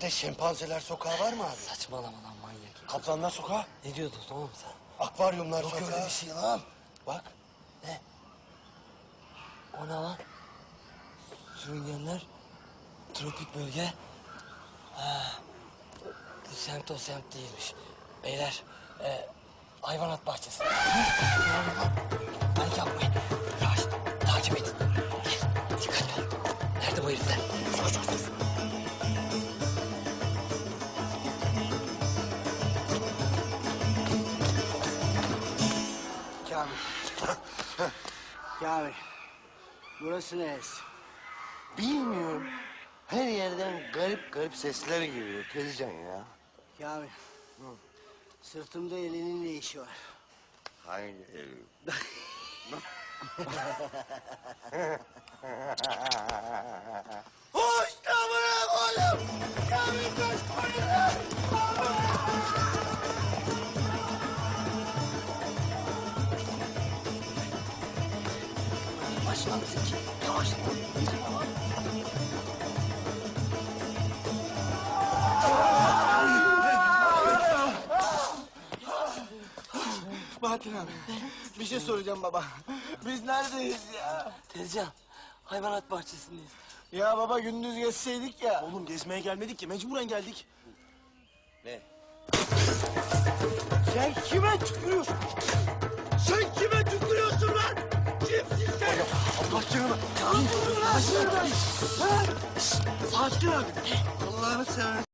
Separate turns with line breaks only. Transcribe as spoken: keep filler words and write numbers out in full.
İleride şempanzeler sokağı var mı abi?
Saçmalama lan manyak.
Kaplanlar sokağı,
Ne diyordun oğlum sen?
akvaryumlar
Yok
sokağı.
öyle bir şey lan.
Bak,
O ne lan? Sürüngenler, tropik bölge. Ha, bu semt o semt değilmiş. Beyler, e, hayvanat bahçesi. Panik yapmayın. Yavaş, takip edin. Gel, dikkatli ol. Nerede bu herifler? Koş, koş, koş.
Kamil. Kamil. Burası neresi?
bilmiyorum. Her yerden garip garip sesler geliyor Tezcan ya.
Kamil. Sırtımda elinin ne işi var?
Hangi ev? Hoş da bırak oğlum! Kamil kaç koyuyor!
Yavaş lan Zeki, yavaş.
Bahattin abi. Bir şey soracağım baba. Biz neredeyiz ya?
Tezcan, hayvanat bahçesindeyiz.
Ya baba gündüz geçseydik ya.
Oğlum gezmeye gelmedik ki, mecburen geldik.
Ne?
Sen kime tükürüyorsun? Sen kime tükürüyorsun lan? Kimsin sen?
Allah canına!
Sakin abi.
Allah'ını seversen.